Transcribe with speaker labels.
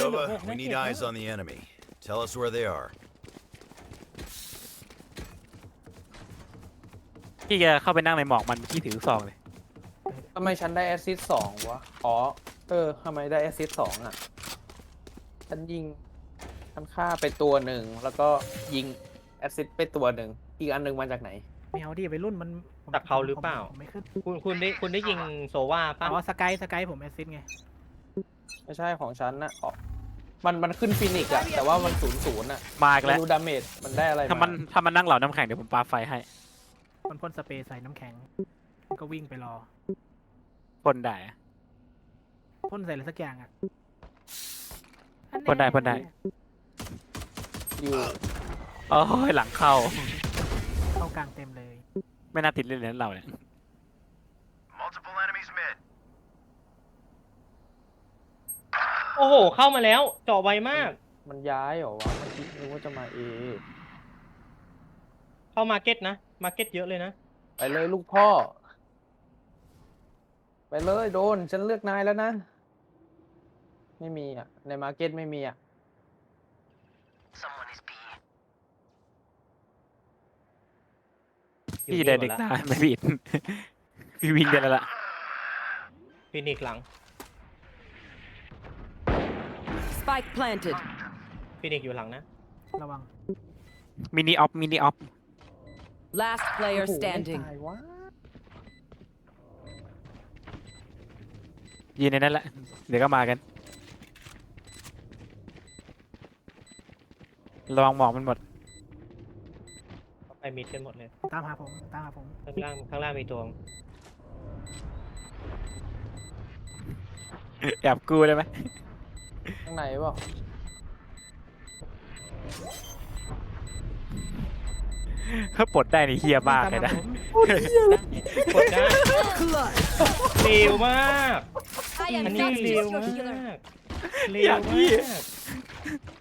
Speaker 1: Nova, we need eyes on the enemy. Tell us where they are.
Speaker 2: พี่จะเข้าไปนั่งในหมอกมันพี่ถือลูกซองเลย
Speaker 3: ทำไมฉันได้แอสซิสต์2วะอ๋อทำไมได้แอสซิสต์2อ่ะฉันยิงฉันฆ่าไปตัวหนึ่งแล้วก็ยิงแอสซิสต์ไปตัวหนึ่งอีกอันหนึ่งมาจากไหน
Speaker 4: ไม่เอาดิไปรุ่นมันผม
Speaker 5: จากเขาหรือเปล่า
Speaker 4: ผมไม่ขึ้น
Speaker 5: คุณได้ยิงโซว่าป่ะ
Speaker 4: อ๋อสกายผมแอสซิสต์ไง
Speaker 3: ไม่ใช่ของฉันนะอ๋อมันขึ้นฟินิกซ์อะแต่ว่ามัน0-0อะ
Speaker 2: มาอีก
Speaker 3: ไม่
Speaker 2: แล้ว
Speaker 3: รู้ดาเมจมันได้อะไร
Speaker 2: ถ้ามันนั่งเหล่าน้ำแข็งเดี๋ยวผมปาไฟให้
Speaker 4: มันพ่นสเปรย์ใส่น้ำแข็งมันก็วิ่งไปรอ
Speaker 2: พ่นได้อะ
Speaker 4: พ่นใส่อะไรสักอย่างอ่ะ
Speaker 2: พ่นได้
Speaker 3: อยู่
Speaker 2: โอ้ยหลังเข้า
Speaker 4: เข้ากลางเต็มเลย
Speaker 2: ไม่น่าติดเล่นเลยนะเราเนี่ย
Speaker 1: Multiple enemies mid.
Speaker 5: โอ้โห เข้ามาแล้วเจาะไวมาก
Speaker 3: มันย้ายเหรอวะเมื่อกี้นึกว่าจะมาเอ
Speaker 5: เข้ามาร์เก็ตนะมาร์เก็ตเยอะเลยนะ
Speaker 3: ไปเลยลูกพ่อ ไปเลยโดนฉันเลือกนายแล้วนะ ไม่มีอ่ะในมาร์เก็ตไม่มีอ่ะ
Speaker 2: พี่เดินเด็กตาไม่ผิด พี่วิ่งได้แล้วล่ะ
Speaker 5: ฟินิกซ์หลัง
Speaker 6: Spike planted.
Speaker 5: ฟินิกซ์อยู่หลังนะ
Speaker 4: ระวัง
Speaker 2: มินิออฟ
Speaker 6: Last player
Speaker 3: โอ้โหไม่
Speaker 6: standing.
Speaker 3: ตายวะ
Speaker 2: ยืนในนั้นแหละ เดี๋ยวก็มากัน ระวังหมอกมันหมด
Speaker 5: ไปมิดกันหมดเลย
Speaker 4: ตามหาผม
Speaker 5: ข้างล่างมีตัว
Speaker 2: แอบกูได้ไหม
Speaker 3: ข้างในเปล่า
Speaker 2: ถ้าปลดได้นี่เฮียมากเลยนะ
Speaker 5: กดได้เร็วมาก
Speaker 6: I
Speaker 5: อัน
Speaker 6: am
Speaker 5: นี้
Speaker 6: not
Speaker 5: เร็ว
Speaker 6: just your
Speaker 5: มา
Speaker 6: healer.
Speaker 5: กเร็วมาก